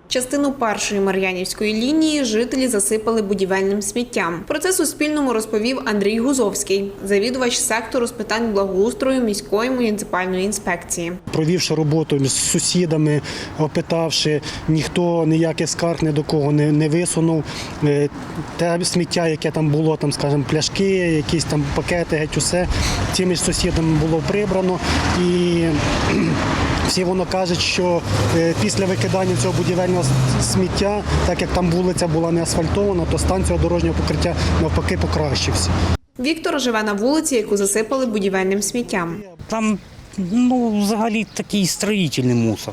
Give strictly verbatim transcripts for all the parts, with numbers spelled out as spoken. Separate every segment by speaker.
Speaker 1: Частину першої Мар'янівської лінії жителі засипали будівельним сміттям. Про це Суспільному розповів Андрій Гузовський, завідувач сектору з питань благоустрою міської муніципальної інспекції.
Speaker 2: Провівши роботу з сусідами, опитавши, ніхто ніяких скарг ні до кого не, не висунув. Те сміття, яке там було, там, скажімо, пляшки, якісь там пакети, геть усе, цими ж сусідами було прибрано. І всі воно кажуть, що після викидання цього будівельного сміття, так як там вулиця була не асфальтована, то стан цього дорожнього покриття навпаки покращився.
Speaker 1: Віктор живе на вулиці, яку засипали будівельним сміттям.
Speaker 3: Там, ну, взагалі такий строїтельний мусор.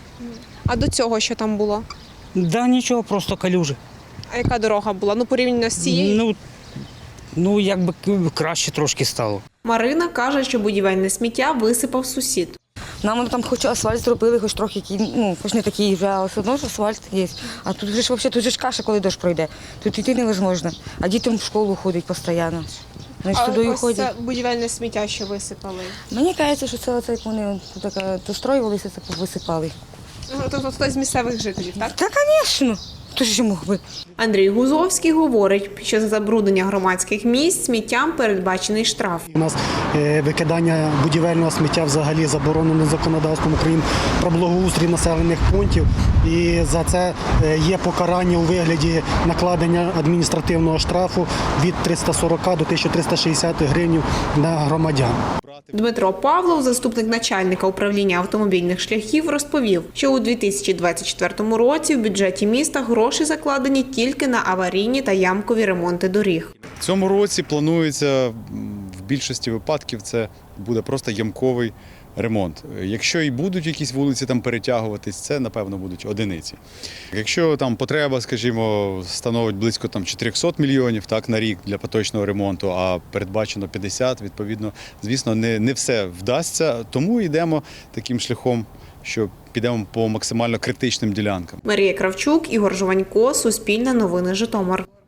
Speaker 4: А до цього що там було?
Speaker 3: Да нічого, просто калюжі.
Speaker 4: А яка дорога була? Ну, порівняно з цією?
Speaker 3: Ну, ну, якби краще трошки стало.
Speaker 1: Марина каже, що будівельне сміття висипав сусід.
Speaker 5: Нам там хоч асфальт зробили, хоч трохи, ну, хоч не такий вже, але все одно ж асфальт є. А тут же ж взагалі, тут же ж каша, коли дощ пройде. Тут йти невозможно. А дітям в школу ходять постійно. Вони ж туди
Speaker 4: ось
Speaker 5: ходять.
Speaker 4: це будівельне сміття, що висипали?
Speaker 5: Мені кажеться, що це оце, як вони тут достроювалися, це висипали.
Speaker 4: Тобто хтось з місцевих жителів, так?
Speaker 5: Та, звісно. Хто ж мог би?
Speaker 1: Андрій Гузовський говорить, що за забруднення громадських місць сміттям передбачений штраф.
Speaker 2: У нас викидання будівельного сміття взагалі заборонено законодавством України про благоустрій населених пунктів. І за це є покарання у вигляді накладення адміністративного штрафу від триста сорок до тисячі триста шістдесят гривень на громадян.
Speaker 1: Дмитро Павлов, заступник начальника управління автомобільних шляхів, розповів, що у дві тисячі двадцять четвертому році в бюджеті міста гроші закладені тільки на аварійні та ямкові ремонти доріг.
Speaker 6: В цьому році планується в більшості випадків це буде просто ямковий ремонт. Якщо і будуть якісь вулиці там перетягуватись, це, напевно, будуть одиниці. Якщо там потреба, скажімо, становить близько там чотирьохсот мільйонів так, на рік для поточного ремонту, а передбачено п'ятдесят, відповідно, звісно, не, не все вдасться, тому йдемо таким шляхом, що підемо по максимально критичним ділянкам.
Speaker 1: Марія Кравчук, Ігор Жованько, Суспільне новини, Житомир.